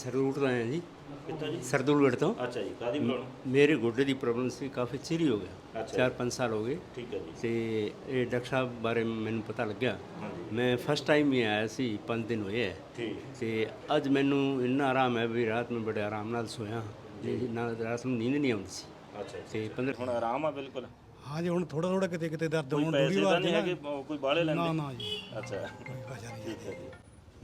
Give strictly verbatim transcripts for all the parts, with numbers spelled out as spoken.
ਸਰਦੂਲ ਤੋਂ ਆਏ ਹਾਂ ਜੀ। ਕਿੱਥੋਂ ਜੀ? ਸਰਦੂਲਗੜ੍ਹ ਤੋਂ। ਅੱਛਾ ਜੀ, ਕਾਹਦੀ ਪ੍ਰੋਬਲਮ? ਮੇਰੇ ਗੋਡੇ ਦੀ ਪ੍ਰੋਬਲਮ ਸੀ, ਕਾਫੀ ਚਿਰ ਹੀ ਹੋ ਗਿਆ, ਅੱਛਾ ਚਾਰ ਪੰਜ ਸਾਲ ਹੋ ਗਏ। ਠੀਕ ਹੈ ਜੀ। ਤੇ ਇਹ ਡਾਕਟਰ ਸਾਹਿਬ ਬਾਰੇ ਮੈਨੂੰ ਪਤਾ ਲੱਗਿਆ। ਹਾਂਜੀ ਮੈਂ ਫਸਟ ਟਾਈਮ ਹੀ ਆਇਆ ਸੀ, ਪੰਜ ਦਿਨ ਹੋਏ ਹੈ। ਠੀਕ ਤੇ ਅੱਜ ਮੈਨੂੰ ਇੰਨਾ ਆਰਾਮ ਹੈ ਵੀ ਰਾਤ ਨੂੰ ਬੜੇ ਆਰਾਮ ਨਾਲ ਸੋਇਆ, ਨਾ ਰਾਤ ਨੂੰ ਨੀਂਦ ਨਹੀਂ ਆਉਂਦੀ ਸੀ। ਅੱਛਾ ਜੀ। ਤੇ ਪੰਦਰਾਂ ਹੁਣ ਆਰਾਮ ਆ ਬਿਲਕੁਲ? हाँ जी, हूँ थोड़ा थोड़ा किते किते दर्द ਕੋਈ होने ਪੈਸੇ थोड़ी ਤਾਂ बार ਨਹੀਂ ना ਹੈਗੇ ਕੋਈ ਬਾਹਲੇ ना ਲੈਂਦੇ? ना जी ਅੱਛਾ कोई पैसा नहीं ਠੀਕ ਹੈ ਜੀ।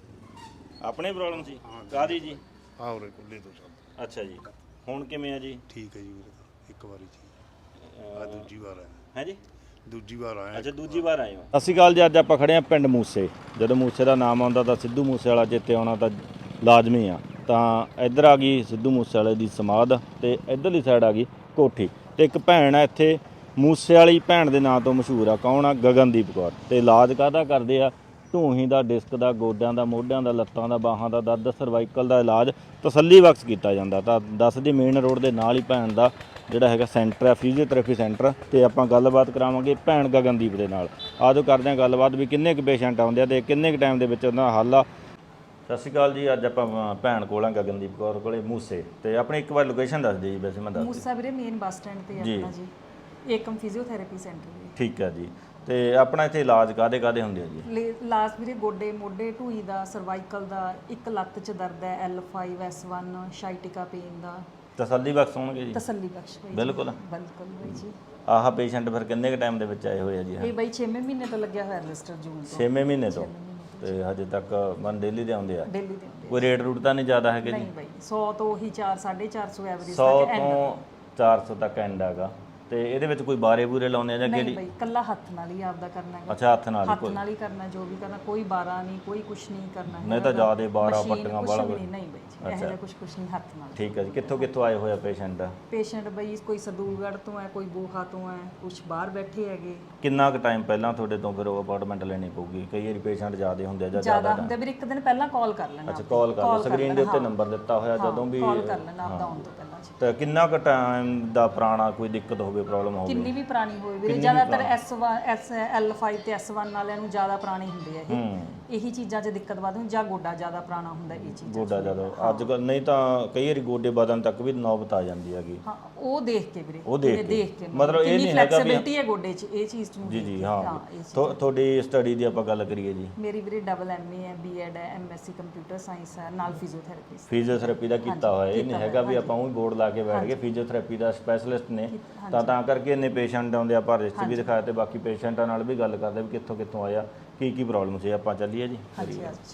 ਆਪਣੇ ਪ੍ਰੋਬਲਮ ਸੀ ਕਾਹਦੀ ਜੀ? ਹਾਂ ਉਰੇ ਕੁੱਲੇ ਤੋਂ ਚੱਲ ਅੱਛਾ ਜੀ, ਹੁਣ ਕਿਵੇਂ ਆ ਜੀ? ਠੀਕ ਹੈ ਜੀ ਵੀਰੇ ਤਾਂ ਇੱਕ ਵਾਰੀ ਜੀ ਆ ਦੂਜੀ ਵਾਰ ਆਇਆ ਹੈ ਜੀ? ਦੂਜੀ ਵਾਰ ਆਇਆ ਅੱਛਾ ਦੂਜੀ ਵਾਰ ਆਏ ਹੋ। ਸਤਿ ਸ਼੍ਰੀ ਅਕਾਲ ਜੀ। ਅੱਜ ਆਪਾਂ ਖੜੇ ਆ ਪਿੰਡ ਮੂਸੇ। ਜਦੋਂ ਮੂਸੇ ਦਾ ਨਾਮ ਆਉਂਦਾ ਤਾਂ ਸਿੱਧੂ ਮੂਸੇ ਵਾਲਾ ਚੇਤੇ ਆਉਣਾ ਤਾਂ ਲਾਜ਼ਮੀ ਆ। ਤਾਂ ਇੱਧਰ ਆ ਗਈ ਸਿੱਧੂ ਮੂਸੇ ਵਾਲੇ ਦੀ ਸਮਾਧ ਤੇ ਇੱਧਰਲੀ ਸਾਈਡ ਆ ਗਈ ਕੋਠੀ। ਤੇ ਇੱਕ ਭੈਣ ਆ ਇੱਥੇ ਮੂਸੇ ਵਾਲੀ ਭੈਣ ਦੇ ਨਾਂ ਤੋਂ ਮਸ਼ਹੂਰ ਆ। ਕੌਣ ਆ? ਗਗਨਦੀਪ ਕੌਰ। ਤੇ ਇਲਾਜ ਕਾਹਦਾ ਕਰਦੇ ਆ? ਢੂਹੀ ਦਾ, ਡਿਸਕ ਦਾ, ਗੋਡਿਆਂ ਦਾ, ਮੋਢਿਆਂ ਦਾ, ਲੱਤਾਂ ਦਾ, ਬਾਹਾਂ ਦਾ ਦਰਦ, ਸਰਵਾਈਕਲ ਦਾ ਇਲਾਜ ਤਸੱਲੀ ਬਖਸ਼ ਕੀਤਾ ਜਾਂਦਾ। ਤਾਂ ਦੱਸ ਦੀ ਮੇਨ ਰੋਡ ਦੇ ਨਾਲ ਹੀ ਭੈਣ ਦਾ ਜਿਹੜਾ ਹੈਗਾ ਸੈਂਟਰ ਹੈ, ਫਿਜ਼ੀਓਥੈਰੇਪੀ ਸੈਂਟਰ। ਤੇ ਆਪਾਂ ਗੱਲਬਾਤ ਕਰਾਵਾਂਗੇ ਭੈਣ ਗਗਨਦੀਪ ਦੇ ਨਾਲ। ਆਜੋ ਕਰਦੇ ਹਾਂ ਗੱਲਬਾਤ ਵੀ ਕਿੰਨੇ ਕੁ ਪੇਸ਼ੈਂਟ ਆਉਂਦੇ ਆ ਤੇ ਕਿੰਨੇ ਕੁ ਟਾਈਮ ਦੇ ਵਿੱਚ ਉਹਨਾਂ ਦਾ ਹੱਲ ਆ। ਸਤਿ ਸ਼੍ਰੀ ਅਕਾਲ ਜੀ। ਅੱਜ ਆਪਾਂ ਭੈਣ ਕੋਲ ਆ ਗਗਨਦੀਪ ਕੌਰ ਕੋਲੇ ਮੂਸੇ। ਤੇ ਆਪਣੀ ਇੱਕ ਵਾਰ ਲੋਕੇਸ਼ਨ ਦੱਸ ਦਿਓ ਜੀ। ਵੈਸੇ ਮੈਂ ਦੱਸ ਮੂਸਾ ਵੀਰੇ ਮੇਨ ਬੱਸ ਸਟੈਂਡ ਤੇ ਜੀ। ਆਪਣਾ ਜੀ ਏਕਮ ਫਿਜ਼ੀਓਥੈਰੇਪੀ ਸੈਂਟਰ ਜੀ। ਠੀਕ ਹੈ ਜੀ। ਤੇ ਆਪਣਾ ਇੱਥੇ ਇਲਾਜ ਕਾਹਦੇ ਕਾਹਦੇ ਹੁੰਦੇ ਆ ਜੀ? ਲਾਸਟ ਵੀਰੇ ਗੋਡੇ ਮੋਢੇ ਢੂਈ ਦਾ, ਸਰਵਾਈਕਲ ਦਾ, ਇੱਕ ਲੱਤ 'ਚ ਦਰਦ ਹੈ, L five S one, sciatica pain ਦਾ। ਤਸੱਲੀ ਬਖਸ਼ ਹੋਣਗੇ ਜੀ? ਤਸੱਲੀ ਬਖਸ਼ ਹੋਈ ਬਿਲਕੁਲ ਬਿਲਕੁਲ ਬਾਈ ਜੀ। ਆਹ ਪੇਸ਼ੈਂਟ ਫਿਰ ਕਿੰਨੇ ਕੁ ਟਾਈਮ ਦੇ ਵਿੱਚ ਆਏ ਹੋਏ ਆ ਜੀ? ਇਹ ਬਾਈ ਛੇਵੇਂ ਮਹੀਨੇ ਤੋਂ ਲੱਗਿਆ ਹੋਇਆ ਰਜਿਸਟਰ ਜੂਨ ਤੋਂ। ਛੇਵੇਂ ਮਹੀਨੇ ਤੋਂ? ਤੇ ਹਜੇ ਤੱਕ ਮਨ ਡੇਲੀ ਦੇ ਆਉਂਦੇ ਆ? ਡੇਲੀ ਦੇ ਹੁੰਦੇ ਕੋਈ ਰੇਟ ਰੂਟ ਤਾਂ ਨਹੀਂ ਜ਼ਿਆਦਾ ਹੈਗੇ ਜੀ? ਨਹੀਂ ਬਾਈ ਸੌ ਤੋਂ ਉਹੀ ਚਾਰ ਸਾਢੇ ਚਾਰ ਸੌ ਐਵਰੇਜ ਸੌ ਤੱਕ ਤੋਂ ਚਾਰ ਸੌ ਤੱਕ ਐਂਡ ਹੈਗਾ। ਤੇ ਇਹਦੇ ਵਿੱਚ ਕੋਈ ਬਾਰੇ ਬੂਰੇ ਲਾਉਂਦੇ ਆ ਜਾਂ ਨਹੀਂ ਕਿਹੜੀ? ਬਾਈ ਕੱਲਾ ਹੱਥ ਨਾਲ ਹੀ ਆਪਦਾ ਕਰਨਾ ਹੈ। ਅੱਛਾ ਹੱਥ ਨਾਲ ਹੀ ਹੱਥ ਕੋਈ? ਨਾਲ ਹੀ ਕਰਨਾ, ਜੋ ਵੀ ਕਰਨਾ, ਕੋਈ ਬਾਰਾ ਨਹੀਂ, ਕੋਈ ਕੁਛ ਨਹੀਂ ਕਰਨਾ ਨਹੀਂ ਤਾਂ ਜ਼ਿਆਦੇ ਬਾਰਾਂ ਪੱਟੀਆਂ ਵਾਲਾ ਕੁਛ ਨਹੀਂ। ਨਹੀਂ ਬਾਈ ਜੀ ਇਹੋ ਜਿਹਾ ਕੁਛ ਕੁਛ ਨਹੀਂ ਹੱਥ ਨਾਲ। ਠੀਕ ਹੈ ਜੀ। ਕਿੱਥੋਂ ਕਿੱਥੋਂ ਆਏ ਹੋਏ ਆ ਪੇਸ਼ੈਂਟ? ਪੇਸ਼ੈਂਟ ਬਈ ਕੋਈ ਸਰਦੂਲਗੜ੍ਹ ਤੋਂ ਹੈ, ਕੋਈ ਬੋਹਾ ਤੋਂ ਹੈ, ਕੁਝ ਬਾਹਰ ਬੈਠੇ ਹੈਗੇ। ਕਿੰਨਾ ਕੁ ਟਾਈਮ ਪਹਿਲਾਂ ਤੁਹਾਡੇ ਤੋਂ ਫਿਰ ਉਹ ਅਪਾਰਟਮੈਂਟ ਲੈਣੀ ਪਊਗੀ? ਕਈ ਵਾਰੀ ਪੇਸ਼ੈਂਟ ਜ਼ਿਆਦੇ ਹੁੰਦੇ ਆ ਜਾਂ ਜ਼ਿਆਦਾ ਜ਼ਿਆਦਾ? ਹੁੰਦੇ ਵੀਰ ਇੱਕ ਦਿਨ ਪਹਿਲਾਂ ਕਾਲ ਕਰ ਲੈਣਾ। ਅੱਛਾ ਕਾਲ ਕਰ ਲਓ। ਸਕਰੀਨ ਦੇ ਉੱਤੇ ਨੰਬਰ ਦਿੱਤਾ ਹੋਇਆ, ਜਦੋਂ ਵੀ ਕਾਲ ਕਰ ਲੈਣਾ ਆਪਦਾ ਆਉਣ ਤੋਂ ਪਹਿਲਾਂ ਜੀ। ਤੇ ਕਿੰਨਾ ਕੁ ਟਾਈਮ ਦਾ ਪੁਰਾਣਾ ਕੋਈ ਦਿੱਕਤ ਹੋਵੇ, ਪ੍ਰੋਬਲਮ ਹੋਵੇ? ਕਿੰਨੀ ਵੀ ਪੁਰਾਣੀ ਹੋਵੇ ਵੀਰੇ, ਜ਼ਿਆਦਾਤਰ S one S L five ਤੇ ਐਸ ਵਨ ਵਾਲਿਆਂ ਨੂੰ ਜ਼ਿਆਦਾ ਪੁਰਾਣੇ ਹੁੰਦੇ ਆ ਇਹ। ਇਹੀ ਚੀਜ਼ਾਂ 'ਚ ਦਿੱਕਤ ਵੱਧ ਹੁੰਦੀ, ਜਾਂ ਗੋਡਾ ਜ਼ਿਆਦਾ ਪੁਰਾਣਾ ਹੁੰਦਾ ਇਹ ਚੀਜ਼। ਗੋਡਾ ਜ਼ਿਆਦਾ ਅੱਜ ਕੱਲ੍ਹ ਨਹੀਂ ਤਾਂ ਕਈ ਵਾਰੀ ਗੋਡੇ ਬਦਨ ਤੱਕ ਵੀ ਨੌਬਤ ਆ ਜਾਂਦੀ ਹੈਗੀ। ਹਾਂ ਉਹ ਦੇਖ ਕੇ ਵੀਰੇ, ਉਹ ਦੇਖ ਕੇ। ਦੇਖ ਕੇ ਮਤਲਬ ਇਹ ਨਹੀਂ ਹੈਗਾ ਵੀ ਫਲੈਕਸੀਬਿਲਟੀ ਹੈ ਗੋਡੇ 'ਚ, ਇਹ ਚੀਜ਼ ਨੂੰ ਜੀ ਦੇਖ ਜੀ ਕੇ। ਹਾਂ ਇਹ ਚੀਜ਼। ਤੁਹਾ- ਤੁਹਾਡੀ ਸਟੱਡੀ ਦੀ ਆਪਾਂ ਗੱਲ ਕਰੀਏ ਜੀ? ਮੇਰੀ ਵੀਰੇ ਡਬਲ ਐਮਏ ਹੈ, ਬੀਐਡ ਹੈ, ਐਮਐਸਸੀ ਕੰਪਿਊਟਰ ਸਾਇੰਸ ਹੈ, ਨਾਲ ਫਿਜ਼ੀਓਥੈਰੇਪੀ। ਫਿਜ਼ੀਓਥੈਰੇਪੀ ਦਾ ਕੀਤਾ ਹੋਇਆ? ਇਹ ਨਹੀਂ ਹੈਗਾ ਵੀ ਆਪਾਂ ਉਹ ਬੋਰਡ ਲਾ ਕੇ ਬੈਠ ਗਏ। ਫਿਜ਼ੀਓਥੈਰੇਪੀ ਦਾ ਸਪੈਸ਼ਲਿਸਟ ਨੇ ਤਾਂ ਤਾਂ ਕਰਕੇ ਇੰਨੇ ਪੇਸ਼ੈਂਟ ਆਉਂਦੇ ਆ। ਆਪਾਂ ਰਿਸਟ ਵੀ ਦਿਖਾਇਆ ਤੇ ਬਾਕੀ ਪੇਸ਼ੈਂਟਾਂ ਨਾਲ ਵੀ ਗੱਲ ਕਰਦੇ ਵੀ ਕਿੱਥੋਂ ਕਿੱਥੋਂ ਆਇਆ, ਕੀ ਕੀ ਪ੍ਰੋਬਲਮ ਸੀ। ਆਪਾਂ ਚੱਲੀਏ ਜੀ। ਹਾਂਜੀ ਹਾਂਜੀ।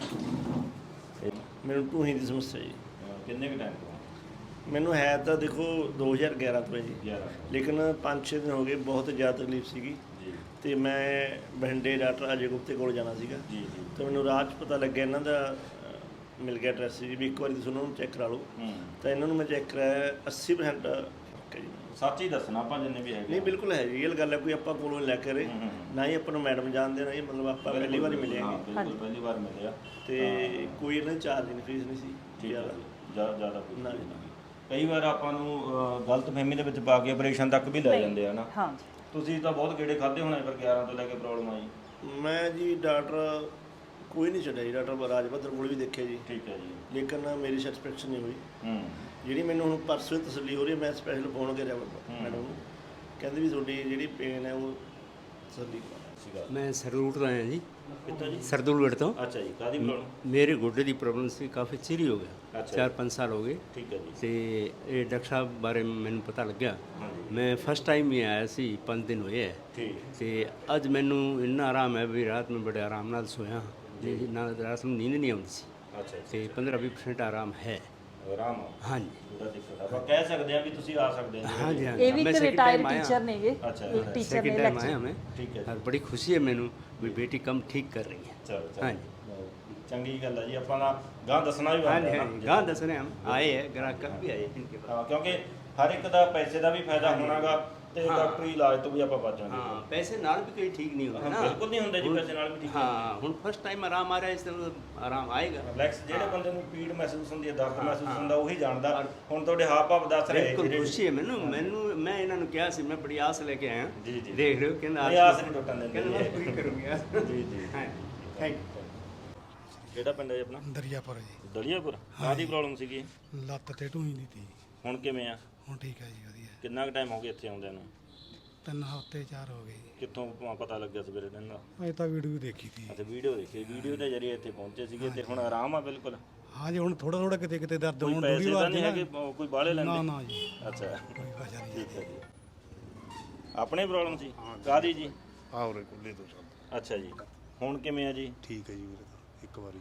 ਮੈਨੂੰ ਢੂਹੀ ਦੀ ਸਮੱਸਿਆ ਜੀ। ਕਿੰਨੇ ਕੁ ਟਾਈਮ ਤੋਂ? ਮੈਨੂੰ ਹੈ ਤਾਂ ਦੇਖੋ ਦੋ ਹਜ਼ਾਰ ਗਿਆਰਾਂ ਤੋਂ ਹੈ ਜੀ, ਗਿਆਰਾਂ ਲੇਕਿਨ ਪੰਜ ਛੇ ਦਿਨ ਹੋ ਗਏ ਬਹੁਤ ਜ਼ਿਆਦਾ ਤਕਲੀਫ ਸੀਗੀ। ਜੀ ਤੇ ਮੈਂ ਬਠਿੰਡੇ ਡਾਕਟਰ ਅਜੇ ਗੁਪਤੇ ਕੋਲ ਜਾਣਾ ਸੀਗਾ। ਜੀ ਜੀ ਤੇ ਮੈਨੂੰ ਰਾਹ 'ਚ ਪਤਾ ਲੱਗਿਆ ਇਹਨਾਂ ਦਾ ਅ, ਮਿਲ ਗਿਆ ਐਡਰੈਸ ਜੀ, ਵੀ ਇੱਕ ਵਾਰੀ ਤੁਸੀਂ ਉਹਨਾਂ ਨੂੰ ਚੈੱਕ ਕਰਾ ਲਓ। ਹੂੰ ਤਾਂ ਇਹਨਾਂ ਨੂੰ ਮੈਂ ਚੈੱਕ ਕਰਾਇਆ, ਅੱਸੀ ਪਰਸੈਂਟ ਫਰਕ ਹੈ ਜੀ। ਸੱਚ ਹੀ ਦੱਸਣਾ ਆਪਾਂ ਜਿੰਨੇ ਵੀ ਹੈਗੇ। ਨਹੀਂ ਬਿਲਕੁਲ ਹੈ ਜੀ, ਇਹ ਗੱਲ ਹੈ, ਕੋਈ ਆਪਾਂ ਕੋਲੋਂ ਲੈ ਕੇ ਰਹੇ ਨਾ ਹੀ ਆਪਾਂ ਨੂੰ ਮੈਡਮ ਜਾਣਦੇ, ਨਾ ਹੀ ਮਤਲਬ ਆਪਾਂ ਪਹਿਲੀ ਵਾਰੀ ਮਿਲੇ ਹਾਂ ਹੈਗੇ। ਬਿਲਕੁਲ ਪਹਿਲੀ ਵਾਰ ਮਿਲਿਆ। ਤੇ ਕੋਈ ਇਹਨਾਂ ਦੀ ਚਾਰਜ ਨਹੀਂ, ਫੀਸ ਨਹੀਂ ਸੀ ਠੀਕ ਹੈ ਜ਼ਿਆਦਾ। ਜੀ। ਜ਼ਿਆਦਾ ਜ਼ਿਆਦਾ ਕੋਈ ਨਾ ਨਹੀਂ। ਜੀ, ਨਾ। ਕਈ ਵਾਰ ਆਪਾਂ ਨੂੰ ਗਲਤ ਫਹਿਮੀ ਦੇ ਵਿੱਚ ਪਾ ਕੇ ਆਪਰੇਸ਼ਨ ਤੱਕ ਵੀ ਲੈ ਜਾਂਦੇ ਆ ਨਾ। ਹਾਂ ਜੀ। ਤੁਸੀਂ ਤਾਂ ਬਹੁਤ ਗੇੜੇ ਖਾਦੇ ਹੋਣੇ ਫਿਰ ਗਿਆਰਾਂ ਤੋਂ ਲੈ ਕੇ ਪ੍ਰੋਬਲਮ ਆਈ। ਮੈਂ ਜੀ ਡਾਕਟਰ ਕੋਈ ਨਹੀਂ ਛੱਡਿਆ ਜੀ, ਡਾਕਟਰ ਰਾਜਪੱਧਰ ਕੋਲ ਵੀ ਦੇਖਿਆ ਜੀ, ਠੀਕ ਹੈ ਜੀ। ਲੇਕਿਨ ਮੇਰੀ ਸੈਟੀਸਫੈਕਸ਼ਨ ਨਹੀਂ ਹੋਈ। ਹੂੰ ਜਿਹੜੀ ਮੈਨੂੰ ਹੁਣ ਪਰਸੋਂ ਤਸੱਲੀ ਹੋ ਰਹੀ ਹੈ, ਮੈਂ ਸਪੈਸ਼ਲ ਫੋਨ ਕਰਿਆ ਮੈਡਮ ਨੂੰ, ਕਹਿੰਦੇ ਵੀ ਤੁਹਾਡੀ ਜਿਹੜੀ ਪੇਨ ਹੈ ਉਹ ਤਸੱਲੀ ਕਰਾ। ਸੀਗਾ। ਮੈਂ ਸਰਦੂਲ ਤੋਂ ਆਇਆ ਜੀ। ਕਿੱਥੋਂ ਜੀ? ਸਰਦੂਲਗੜ੍ਹ ਤੋਂ। ਅੱਛਾ ਜੀ, ਕਾਹਦੀ ਪ੍ਰੋਬਲਮ? ਮੇਰੇ ਗੋਡੇ ਦੀ ਪ੍ਰੋਬਲਮ ਸੀ, ਕਾਫੀ ਚਿਰ ਹੀ ਹੋ ਗਿਆ, ਅੱਛਾ ਚਾਰ ਪੰਜ ਸਾਲ ਹੋ ਗਏ। ਠੀਕ ਹੈ ਜੀ। ਤੇ ਇਹ ਡਾਕਟਰ ਸਾਹਿਬ ਬਾਰੇ ਮੈਨੂੰ ਪਤਾ ਲੱਗਿਆ। ਹਾਂਜੀ ਮੈਂ ਫਸਟ ਟਾਈਮ ਹੀ ਆਇਆ ਸੀ, ਪੰਜ ਦਿਨ ਹੋਏ ਹੈ। ਠੀਕ ਤੇ ਅੱਜ ਮੈਨੂੰ ਇੰਨਾ ਆਰਾਮ ਹੈ ਵੀ ਰਾਤ ਨੂੰ ਬੜੇ ਆਰਾਮ ਨਾਲ ਸੋਇਆ, ਨਾ ਰਾਤ ਨੂੰ ਨੀਂਦ ਨਹੀਂ ਆਉਂਦੀ ਸੀ। ਅੱਛਾ ਜੀ। ਤੇ ਪੰਦਰਾਂ ਵੀਹ ਪਰਸੈਂਟ ਆਰਾਮ ਹੈ। ਆਰਾਮ ਹਾਂਜੀ ਪੂਰਾ ਦਿੱਕਤ ਆ। ਆਪਾਂ ਕਹਿ ਸਕਦੇ ਆ ਵੀ ਤੁਸੀਂ ਆ ਸਕਦੇ ਹੋ। ਹਾਂਜੀ ਹਾਂਜੀ ਇਹ ਵੀ मैं ਇੱਕ second ਰਿਟਾਇਰਡ time आया। ਟੀਚਰ ਨੇਗੇ। अच्छा, ਇੱਕ ਟੀਚਰ ਨੇ सेकंड टाइम आया ਲੈਕਚਰ। मैं। ਠੀਕ ਹੈ और बड़ी खुशी है मैनू भी बेटी कम ठीक कर रही है। ਚਲੋ हाँ ਚਲੋ जी ਚੰਗੀ ਗੱਲ ਹੈ ਜੀ। ਆਪਾਂ ਦਾ ਗਾਂ ਦੱਸਣਾ ਵੀ हाँ ਬਣਦਾ जी ਹੈ हाँ जी ਨਾ। गाँव दस रहे हम आए हैं, ग्राहक कल भी आए इनके पास। ਹਾਂ ਕਿਉਂਕਿ ਹਰ ਇੱਕ ਦਾ ਪੈਸੇ ਦਾ ਵੀ ਫਾਇਦਾ ਹੋਣਾਗਾ ਤੇ ਹਾਂ। ਡਾਕਟਰੀ ਇਲਾਜ ਤੋਂ ਵੀ ਆਪਾਂ ਬਚ ਜਾਵਾਂਗੇ। हाँ पैसे नाल भी कहीं ठीक नहीं होते ना। ਬਿਲਕੁਲ ਨਹੀਂ ਹੁੰਦੇ ਜੀ ਪੈਸੇ ਨਾਲ ਵੀ ਠੀਕ ਹੈ। हाँ हूँ फर्स्ट टाइम आराम आ रहा है, इसलिए आराम आएगा। ਰਿਲੈਕਸ ਜਿਹੜੇ ਬੰਦੇ ਨੂੰ ਪੀੜ ਮਹਿਸੂਸ ਹੁੰਦੀ ਹੈ, ਦਰਦ ਮਹਿਸੂਸ ਹੁੰਦਾ, ਉਹੀ ਜਾਣਦਾ। ਔਰ ਹੁਣ ਤੁਹਾਡੇ ਹਾਵ ਭਾਵ ਦੱਸ ਰਹੇ बिल्कुल ਜਿਹੜੇ- खुशी है मैनू मैनू मैं इन्होंने कहा सी, मैं बड़ी आस लेके आया। जी, जी। देख रहे हो कहना नहीं, आस नहीं टुटन देंगे। कहना मैं पूरी करूँगी। ਜੀ ਜੀ हाँ थैंक यू। ਕਿਹੜਾ ਪਿੰਡ ਹੈ ਆਪਣਾ? ਦਰਿਆਪੁਰ ਜੀ। ਦਲੀਆਪੁਰ। ਕਾਹਦੀ ਪ੍ਰੋਬਲਮ ਸੀਗੀ? ਲੱਤ ਤੇ ਢੂਈ ਦੀ ਤੀ। ਹੁਣ ਕਿਵੇਂ ਆ? ਹੁਣ ਠੀਕ ਹੈ ਜੀ, ਵਧੀਆ। ਕਿੰਨਾ ਕੁ ਟਾਈਮ ਹੋ ਗਿਆ ਇੱਥੇ ਆਉਂਦਿਆਂ ਨੂੰ? ਤਿੰਨ ਹਫ਼ਤੇ ਚਾਰ ਹੋ ਗਏ ਜੀ। ਕਿੱਥੋਂ ਪ- ਪਤਾ ਲੱਗਿਆ ਸਵੇਰੇ ਦਿਨ ਦਾ? ਅਜੇ ਤਾਂ ਵੀਡੀਓ ਦੇਖੀ ਤੀ। ਅੱਛਾ, ਵੀਡੀਓ ਦੇਖੀ। ਵੀਡੀਓ ਦੇ ਜ਼ਰੀਏ ਇੱਥੇ ਪਹੁੰਚੇ ਸੀਗੇ ਤੇ ਹੁਣ ਆਰਾਮ ਆ ਬਿਲਕੁਲ? ਹਾਂ ਜੀ, ਹੁਣ ਥੋੜਾ ਥੋੜਾ ਕਿਤੇ ਕਿਤੇ ਦਰਦ ਕੋਈ ਹੋਣ ਪੈਸੇ ਦੂਰੀ ਤਾਂ ਵਾਰ ਨਹੀਂ ਨਾ। ਹੈਗੇ ਬ- ਕੋਈ ਬਾਹਲੇ ਨਾ ਲੈਂਦੇ? ਨਾ ਜੀ, ਅੱਛਾ, ਕੋਈ ਵਜ੍ਹਾ ਨਹੀਂ। ਠੀਕ ਹੈ ਜੀ। ਆਪਣੀ ਪ੍ਰੋਬਲਮ ਸੀ? ਕਾਹਦੀ ਜੀ? ਆਉਰੇ ਕੁੱਲੇ ਤੋਂ ਚੱਲ ਅੱਛਾ ਜੀ। ਹੁਣ ਕਿਵੇਂ ਆ ਜੀ? ਠੀਕ ਹੈ ਜੀ ਵੀਰੇ, ਤਾਂ ਇੱਕ ਵਾਰੀ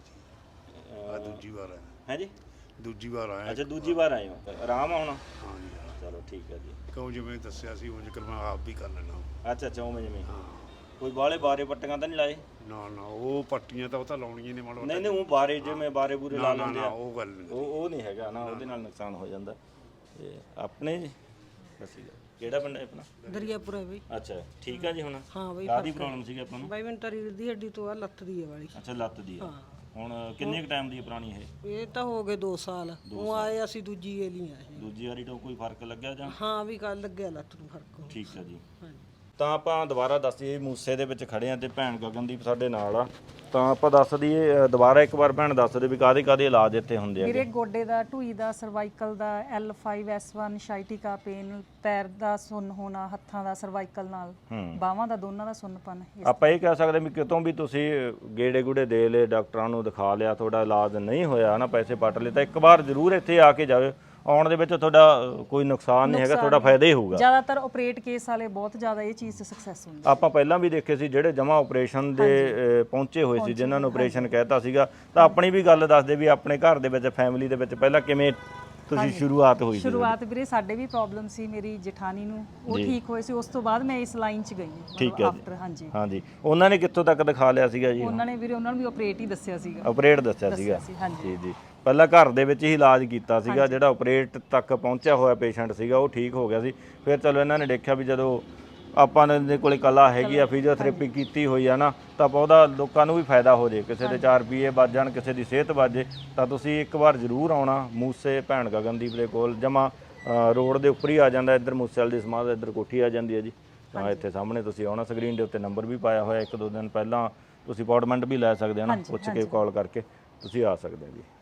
ਜੀ ਆ ਦੂਜੀ ਵਾਰ ਆਇਆ। ਹੈ ਜੀ? ਦੂਜੀ ਵਾਰ ਆਇਆ। ਅੱਛਾ, ਦੂਜੀ ਵਾਰ ਆਏ ਹੋ। ਆਰਾਮ ਆ ਹੁਣ? ਹਾਂ ਜੀ ਹਾਂ। ਚਲੋ ਠੀਕ ਹੈ ਜੀ। ਕਿਉਂ ਜਿਵੇਂ ਦੱਸਿਆ ਸੀ ਉਂਝ ਕਰ ਮੈਂ ਆਪ ਵੀ ਕਰ ਲੈਣਾ। ਅੱਛਾ ਅੱਛਾ, ਉਵੇਂ ਜਿਵੇਂ ਹਾਂ। ਕੋਈ ਬਾਹਲੇ ਬਾਰੇ ਪੱਟੀਆਂ ਤਾਂ ਨਹੀਂ ਲਾਏ? ਨਾ ਨਾ, ਉਹ ਪੱਟੀਆਂ ਤਾਂ ਉਹ ਤਾਂ ਲਾਉਣੀਆਂ ਨੇ ਮਾੜਾ ਨਹੀਂ ਨਹੀਂ, ਉਹ ਬਾਰੇ ਜਿਵੇਂ ਬਾਰੇ ਬੂਰੇ ਲਾ ਨਾ ਲੈਂਦੇ ਨਾ, ਆ, ਉਹ ਗੱਲ ਨਹੀਂ। ਉਹ ਉਹ ਨਹੀਂ ਹੈਗਾ ਨਾ, ਉਹਦੇ ਨਾਲ ਨੁਕਸਾਨ ਹੋ ਜਾਂਦਾ। ਤੇ ਆਪਣੇ ਜੀ ਬਸ ਠੀਕ ਹੈ। ਕਿਹੜਾ ਪਿੰਡ ਹੈ ਆਪਣਾ? ਦਰਿਆਪੁਰ ਹੈ ਬਈ। ਅੱਛਾ, ਠੀਕ ਹੈ ਜੀ। ਹੁਣ ਹਾਂ ਬਈ, ਕਾਹਦੀ ਪ੍ਰੋਬਲਮ ਸੀਗੀ ਆਪਾਂ ਨੂੰ? ਬਾਈ ਮੈਨੂੰ ਤਾਂ ਰੀੜ੍ਹ ਦੀ ਹੱਡੀ ਤੋਂ ਆ ਲੱਤ ਦੀ ਹੈ ਵਾਲੀ। ਅੱਛਾ, ਲੱਤ ਦੀ ਆ। ਹੁਣ ਕਿੰਨੇ ਕੁ ਟਾਈਮ ਦੀ ਹੈ ਪੁਰਾਣੀ ਇਹ? ਇਹ ਤਾਂ ਹੋ ਗਏ ਦੋ ਸਾਲ। ਉਹ ਆਏ ਅਸੀਂ ਦੂਜੀ ਏਲੀ ਆਏ। ਦੂਜੀ ਵਾਰੀ ਤੋਂ ਕੋਈ ਫਰਕ ਲੱਗਿਆ ਜਾਂ? ਹਾਂ ਵੀ ਕੱਲ ਲੱਗਿਆ ਲੱਤ ਨੂੰ ਫਰਕ। ਠੀਕ ਹੈ ਜੀ। ਹਾਂਜੀ। ਤਾਂ ਆਪਾਂ ਦੁਬਾਰਾ ਦੱਸ ਦਈਏ, ਮੂਸੇ ਦੇ ਵਿੱਚ ਖੜੇ ਆ ਤੇ ਭੈਣ ਗਗਨਦੀਪ ਸਾਡੇ ਨਾਲ ਆ। ਤਾਂ ਆਪਾਂ ਦੱਸ ਦਈਏ ਅ, ਦੁਬਾਰਾ ਇੱਕ ਵਾਰ ਭੈਣ ਦੱਸ ਦੇ ਵੀ ਕਾਹਦੇ ਕਾਹਦੇ ਇਲਾਜ ਇੱਥੇ ਹੁੰਦੇ ਆ? ਵੀਰੇ ਗੋਡੇ ਦਾ, ਢੂਈ ਦਾ, ਸਰਵਾਈਕਲ ਦਾ, L five S one, sciatica pain, ਪੈਰ ਦਾ ਸੁੰਨ ਹੋਣਾ, ਹੱਥਾਂ ਦਾ ਸਰਵਾਈਕਲ ਨਾਲ, ਬਾਹਾਂ ਦਾ, ਦੋਨਾਂ ਦਾ ਸੁੰਨਪਨ। ਆਪਾਂ ਇਹ ਕਹਿ ਸਕਦੇ ਵੀ ਕਿਤੋਂ ਵੀ ਤੁਸੀਂ ਗੇੜੇ ਗੂੜੇ ਦੇ ਲਏ, ਡਾਕਟਰਾਂ ਨੂੰ ਦਿਖਾ ਲਿਆ, ਤੁਹਾਡਾ ਇਲਾਜ ਨਹੀਂ ਹੋਇਆ ਨਾ, ਪੈਸੇ ਪੱਟ ਲਏ, ਤਾਂ ਇੱਕ ਵਾਰ ਜ਼ਰੂਰ ਇੱਥੇ ਆ ਕੇ ਜਾਓ। ਆਉਣ ਦੇ ਵਿੱਚ ਤੁਹਾਡਾ ਅ, ਕੋਈ ਨੁਕਸਾਨ ਨਹੀਂ ਹੈਗਾ, ਤੁਹਾਡਾ ਫਾਇਦਾ ਹੀ ਹੋਊਗਾ। ਜ਼ਿਆਦਾਤਰ ਆਪਰੇਟ ਕੇਸ ਵਾਲੇ ਬਹੁਤ ਜ਼ਿਆਦਾ ਇਹ ਚੀਜ਼ 'ਚ ਸਕਸੈਸ ਹੁੰਦੇ। ਆਪਾਂ ਪਹਿਲਾਂ ਵੀ ਦੇਖੇ ਸੀ ਜਿਹੜੇ ਜਮਾ ਆਪਰੇਸ਼ਨ ਦੇ ਅ, ਪਹੁੰਚੇ ਹੋਏ ਸੀ, ਜਿਨ੍ਹਾਂ ਨੂੰ ਆਪਰੇਸ਼ਨ ਕਹਿਤਾ ਸੀਗਾ। ਤਾਂ ਆਪਣੀ ਵੀ ਗੱਲ ਦੱਸਦੇ ਵੀ ਆਪਣੇ ਘਰ ਦੇ ਵਿੱਚ, ਫੈਮਿਲੀ ਦੇ ਵਿੱਚ ਪਹਿਲਾਂ ਕਿਵੇਂ ਤੁਸੀਂ ਸ਼ੁਰੂਆਤ ਹੋਈ ਸੀ? ਸ਼ੁਰੂਆਤ ਵੀਰੇ ਸਾਡੇ ਵੀ ਪ੍ਰੋਬਲਮ ਸੀ, ਮੇਰੀ ਜਠਾਣੀ ਨੂੰ, ਉਹ ਠੀਕ ਹੋਏ ਸੀ। ਉਸ ਤੋਂ ਬਾਅਦ ਮੈਂ ਇਸ ਲਾਈਨ 'ਚ ਗਈ ਠੀਕ ਹੈ ਆਫਟਰ। ਹਾਂਜੀ ਹਾਂਜੀ। ਉਹਨਾਂ ਨੇ ਕਿੱਥੋਂ ਤੱਕ ਦਿਖਾ ਲਿਆ ਸੀਗਾ ਜੀ? ਉਹਨਾਂ ਨੇ ਵੀਰੇ ਉਹਨਾਂ ਨੂੰ ਵੀ ਆਪਰੇਟ ਹੀ ਦੱਸਿਆ ਸੀਗਾ। ਆਪਰੇਟ ਦੱਸਿਆ ਸੀਗਾ? ਸੀ, ਹਾਂਜੀ। ਜੀ ਜੀ। ਪਹਿਲਾਂ ਘਰ ਦੇ ਵਿੱਚ ਹੀ ਇਲਾਜ ਕੀਤਾ ਸੀਗਾ, ਜਿਹੜਾ ਆਪਰੇਟ ਤੱਕ ਪਹੁੰਚਿਆ ਹੋਇਆ ਪੇਸ਼ੈਂਟ ਸੀਗਾ ਉਹ ਠੀਕ ਹੋ ਗਿਆ ਸੀ। ਫਿਰ ਚਲੋ ਇਹਨਾਂ ਨੇ ਦੇਖਿਆ ਵੀ ਜਦੋਂ ਆਪਾਂ ਦੇ ਕੋਲੇ ਕਲਾ ਹੈਗੀ ਆ, ਫਿਜ਼ੀਓਥੈਰੇਪੀ ਕੀਤੀ ਹੋਈ ਆ ਨਾ, ਤਾਂ ਆਪਾਂ ਉਹਦਾ ਲੋਕਾਂ ਨੂੰ ਵੀ ਫਾਇਦਾ ਹੋ ਜੇ, ਕਿਸੇ ਦੇ ਚਾਰ ਰੁਪਏ ਬਚ ਜਾਣ, ਕਿਸੇ ਦੀ ਸਿਹਤ ਬਚ ਜੇ। ਤਾਂ ਤੁਸੀਂ ਇੱਕ ਵਾਰ ਜ਼ਰੂਰ ਆਉਣਾ ਮੂਸੇ ਭੈਣ ਗਗਨਦੀਪ ਦੇ ਕੋਲ। ਜਮਾ ਰੋਡ ਦੇ ਉੱਪਰ ਹੀ ਆ ਜਾਂਦਾ, ਇੱਧਰ ਮੂਸੇ ਵਾਲੀ ਦੀ ਸਮਾਧ, ਇੱਧਰ ਕੋਠੀ ਆ ਜਾਂਦੀ ਹੈ ਜੀ। ਤਾਂ ਇੱਥੇ ਸਾਹਮਣੇ ਤੁਸੀਂ ਆਉਣਾ, ਸਕਰੀਨ ਦੇ ਉੱਤੇ ਨੰਬਰ ਵੀ ਪਾਇਆ ਹੋਇਆ। ਇੱਕ ਦੋ ਦਿਨ ਪਹਿਲਾਂ ਤੁਸੀਂ ਅਪਾਇੰਟਮੈਂਟ ਵੀ ਲੈ ਸਕਦੇ ਹੋ ਨਾ, ਪੁੱਛ ਕੇ ਕਾਲ ਕਰਕੇ ਤੁਸੀਂ ਆ ਸਕਦੇ ਹੋ ਜੀ।